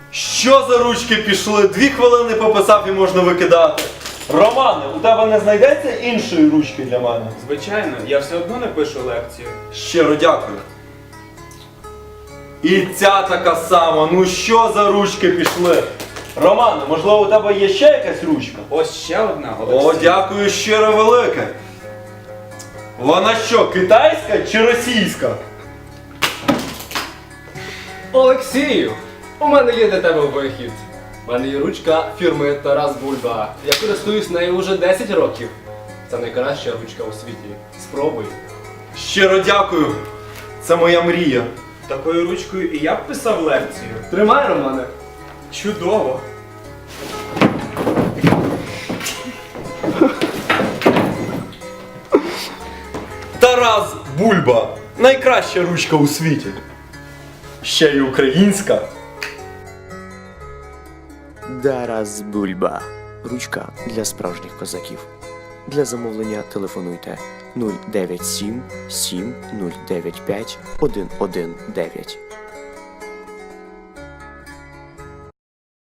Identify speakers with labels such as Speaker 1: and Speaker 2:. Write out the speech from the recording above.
Speaker 1: Що за ручки пішли? 2 хвилини пописав і можна викидати. Романе, у тебе не знайдеться іншої ручки для мене?
Speaker 2: Звичайно, я все одно не пишу лекцію.
Speaker 1: Щиро дякую. І ця така сама. Ну що за ручки пішли? Романе, можливо, у тебе є ще якась ручка?
Speaker 2: Ось ще одна,
Speaker 1: О,
Speaker 2: Олексій.
Speaker 1: дякую щиро велике. Вона що, китайська чи російська?
Speaker 3: Олексію, у мене є для тебе вихід. У мене є ручка фірми Тарас Бульба. Я користуюсь нею вже 10 років. Це найкраща ручка у світі. Спробуй.
Speaker 1: Щиро дякую. Це моя мрія.
Speaker 2: Такою ручкою і я б писав лекцію.
Speaker 3: Тримай, Романе.
Speaker 2: Чудово.
Speaker 1: Тарас Бульба. Найкраща ручка у світі. Ще й українська.
Speaker 4: Тарас Бульба. Ручка для справжніх козаків. Для замовлення телефонуйте 097 7 095 119.